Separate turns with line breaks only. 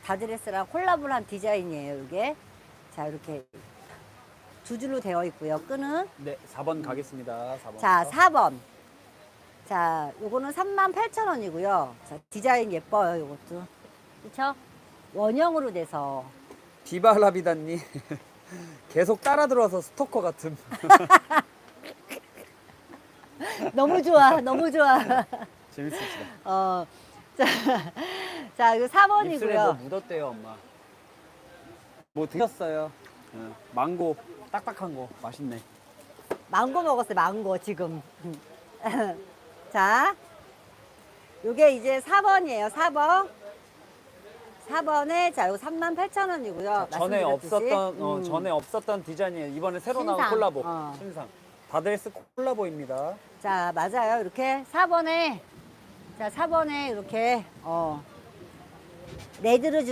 다드레스랑 콜라보를 한 디자인이에요, 이게. 자, 이렇게 두 줄로 되어 있고요. 끈은.
네, 4번 가겠습니다. 4번.
자, 4번. 자, 요거는 38,000원이고요. 자, 디자인 예뻐요, 요것도. 그쵸? 원형으로 돼서.
디바라비다님 계속 따라 들어와서 스토커 같은.
너무 좋아, 너무 좋아.
재밌으시다.
자, 자, 이거
입술에 뭐
4번이고요.
묻었대요, 엄마. 뭐 드셨어요? 망고 딱딱한 거 맛있네.
망고 먹었어요, 망고, 지금. 자, 요게 이제 4번이에요, 4번. 4번에, 자, 요거 38,000원이고요.
전에 없었던 디자인이에요. 이번에 새로 나온
신상.
콜라보. 신상. 다드레스 콜라보입니다.
자, 맞아요. 이렇게 4번에, 자, 4번에 이렇게, 레드를